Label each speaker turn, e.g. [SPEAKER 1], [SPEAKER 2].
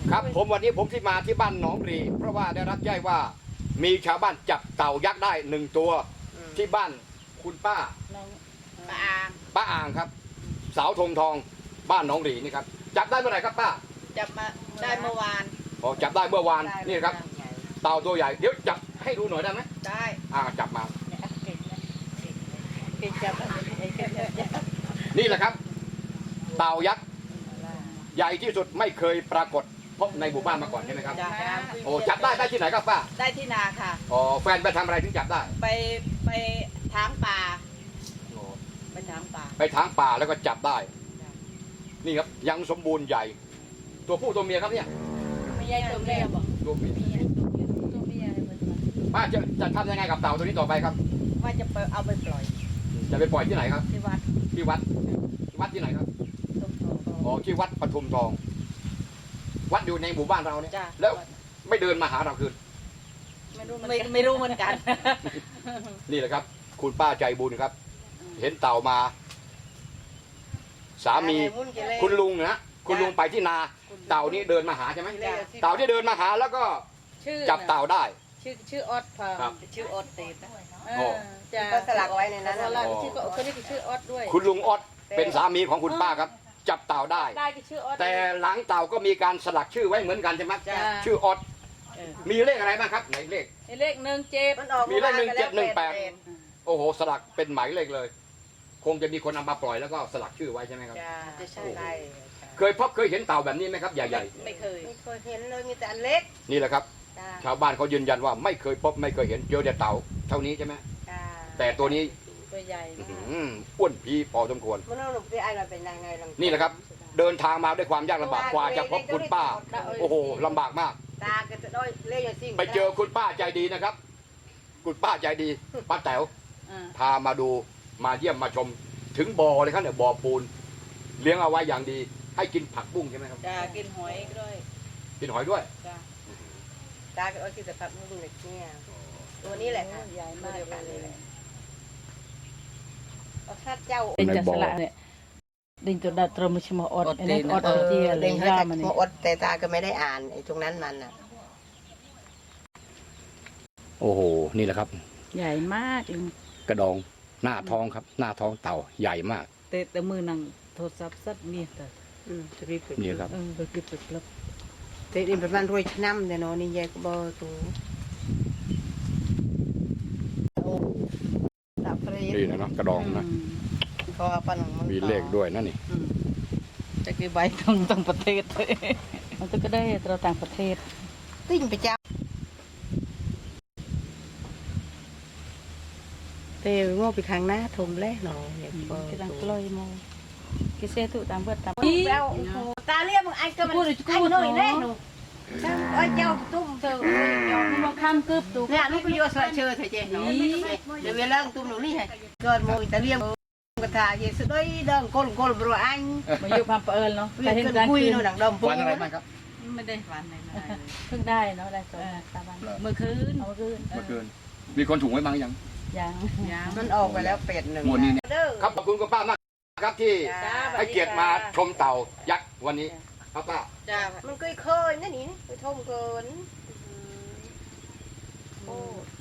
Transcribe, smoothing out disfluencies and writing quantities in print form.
[SPEAKER 1] ครับผมวันนี้ผมที่มาที่บ้านหนองรีเพราะว่าได้รับแจ้งว่ามีชาวบ้านจับเต่ายักษ์ได้1 ตัวที่บ้านคุณป้าป้าอ่างครับสาวธงทองบ้านหนองรีนี่ครับจับได้เมื่อไหร่ครับป้า
[SPEAKER 2] จับมาได้เมื่อวาน
[SPEAKER 1] อ๋อจับได้เมื่อวานนี่ครับเต่าตัวใหญ่เดี๋ยวจับให้ดูหน่อยได้ไหม
[SPEAKER 2] ได้
[SPEAKER 1] จับมา
[SPEAKER 2] เก่งจับ
[SPEAKER 1] นี่แหละครับเต่ายักษ์ใหญ่ที่สุดไม่เคยปรากฏพบในหมู่บ้านมาก่อนใช่ไหมครับโอ้จับได้ที่ไหนครับป้า
[SPEAKER 2] ได้ที่นาค่ะ
[SPEAKER 1] อ๋อแฟนไปทำอะไรถึงจับได้
[SPEAKER 2] ไปถางป่าไปถางป่า
[SPEAKER 1] ไปทางป่าแล้วก็จับได้นี่ครับยังสมบูรณ์ใหญ่ ตัวผู้ตัวเมียครับเนี่ย
[SPEAKER 2] ไม่ใช่ตัวแม่บอก
[SPEAKER 1] ตัวเมีย
[SPEAKER 2] ตัวเมียเหมือน
[SPEAKER 1] ป้าจะทำยังไงกับเต่าตัวนี้ต่อไปครับ
[SPEAKER 2] ว่าจะไปเอาไปปล่อย
[SPEAKER 1] จะไปปล่อยที่ไหนครับ
[SPEAKER 2] ที่วัด
[SPEAKER 1] ที่วัดที่ไหนครับ
[SPEAKER 2] ต้มโต
[SPEAKER 1] อ๋อที่วัดปทุมทอง วัดอยู่ในหมู่บ้านเราเนี่ย
[SPEAKER 2] จ้า
[SPEAKER 1] แล้วไม่เดินมาหาเราคืน
[SPEAKER 2] ไม่รู้เหมือนกัน
[SPEAKER 1] นี่แหละครับ คุณป้าใจบุญครับ เห็นเต่ามา สามีคุณลุงนะคุณลุงไปที่นา เต่านี้เดินมาหาใช่ไหมเต่าที่เดินมาหาแล้วก็จับเต่าได้
[SPEAKER 2] ชื่อออดพาชื่อออดเตดนะ
[SPEAKER 3] จะก็สลักไว้ในนั้น
[SPEAKER 2] สลักชื่อก็คนนี้คือชื่อออดด้วย
[SPEAKER 1] คุณลุงออดเป็นสามีของคุณป้าครับ จับเต่าได้
[SPEAKER 2] ได้ก็ชื่อออด
[SPEAKER 1] แต่หลังเต่าก็มีการสลักชื่อไว้เหมือนกันใช่ไหมชื่อออดมีเลขอะไรบ้างครับไหนเลข
[SPEAKER 2] เลข17
[SPEAKER 1] มีเลข1718โอ้โหสลักเป็นหมายเลขเลย คงจะมีคนเอามาปล่อยแล้วก็สลักชื่อไว้ใช่ไหมครับ
[SPEAKER 3] จะใช่ไร
[SPEAKER 1] เคยเห็นเต่าแบบนี้ไหมครับใหญ่
[SPEAKER 2] ไม่เคย
[SPEAKER 3] ไม่เคยเห็นเลยมีแต่อันเล็ก
[SPEAKER 1] ๆนี่แหละครับ ชาวบ้านเขายืนยันว่าไม่เคยพบไม่เคยเห็นเจอแต่เต่าเท่านี้ใช่ไหมแต่ตัวนี้
[SPEAKER 2] ตัวใหญ่
[SPEAKER 1] อ้วนพีพอสมควร
[SPEAKER 3] มันเอาหนุ่มที่ไอ้เราเป็นยังไง
[SPEAKER 1] นี่แหละครับ เดินทางมาด้วยความยากลำบากกว่าจะพบคุณป้า โอ้โหลำบากมาก
[SPEAKER 3] ตาก็จะได้เล่ยสิ่ง
[SPEAKER 1] ไปเจอคุณป้าใจดีนะครับ คุณป้าใจดีป้าแต๋วพามาดูมาเยี่ยมมาชมถึงบ่อเลยครับเนี่ยบ่อปูน เลี้ยงเอาไว้อย่างดี ให้กินผักบุ้งใช่ไหมครับ
[SPEAKER 2] จะกินหอยด้วย
[SPEAKER 1] กินหอยด้วย
[SPEAKER 2] จ้า
[SPEAKER 3] ตาก็เอาที่สภาพมึงเล็กเนี่ยตัวนี้แหละ
[SPEAKER 2] ใหญ่มากเลย
[SPEAKER 3] ถ้าเจ้า
[SPEAKER 2] เป็นจัสละเนี่ยดิ่งตัวดัดตรมชิมอดอันนี้อดที่อะไร
[SPEAKER 3] เด้งให้
[SPEAKER 2] ย่า
[SPEAKER 3] แต่
[SPEAKER 2] มัน
[SPEAKER 3] หัวอดแต่ตาก็ไม่ได้อ่านไอ้ตรงนั้นมันอ่ะ
[SPEAKER 1] โอ้โห นี่แหละครับ
[SPEAKER 2] ใหญ่มาก
[SPEAKER 1] กระดองหน้าท้องครับ หน้าท้องเต่าใหญ่มาก
[SPEAKER 2] แต่มือนังโทรศัพท์สัตว์มีแต่
[SPEAKER 3] จะรีบ
[SPEAKER 1] นี่ครับ
[SPEAKER 2] ไปเก็บไปกลับ
[SPEAKER 3] แต่ดินประมาณรวยน้ำเดี๋ยวนี่ยายก็บอกตัวตับเฟร
[SPEAKER 1] นี่นะเนาะกระดองนะ
[SPEAKER 3] พอปัน
[SPEAKER 1] มีเลขด้วยนะนี่
[SPEAKER 2] จะกี่ใบต้องประเทศมันก็ได้เราต่างประเทศ
[SPEAKER 3] ติ้งไปจับเตะโง่ไปข้างหน้าทมแล้วเนาะเนี่ย
[SPEAKER 2] กำลังกล้อยมองกิเซตุตามเบิดตาม
[SPEAKER 3] แล้วตาเรียกมึงไอ้ก็มันไอ้หน่อยแน่หนูไอ้เจ้าตุ้มเธอ
[SPEAKER 2] มาข้ามกึบตู
[SPEAKER 3] เนี่ยลูกก็โยสวยเชอเธอเจ๊เนาะเดี๋ยวเวลาตุ้มหนูนี่ไงเกิดโมยตาเรียกกระทาเยสุดเลยเดินก้นก้นบรัวอัน
[SPEAKER 2] มาอยู่ความเปิลเนาะ
[SPEAKER 3] เวียนกันคุยหนูหนังดำปู
[SPEAKER 1] วันอะไรบ้างครับ
[SPEAKER 2] ไม่ได้ฝันเลยเพิ่งได้เนาะได้2 3 วันเมื่อคืน
[SPEAKER 1] เมื่อคืน มีคนถุงไว้บ้างยัง
[SPEAKER 2] ยัง
[SPEAKER 3] มันออกไปแล้วเป็ดหนึ่ง
[SPEAKER 1] หมดนี้ครับขอบคุณคุณป้ามากครับที่ให้เกียรติมาชมเต่ายักษ์วันนี้ครับป้า
[SPEAKER 2] จ้า
[SPEAKER 3] มันเคยนั่นนี่ไปทมเกินโอ้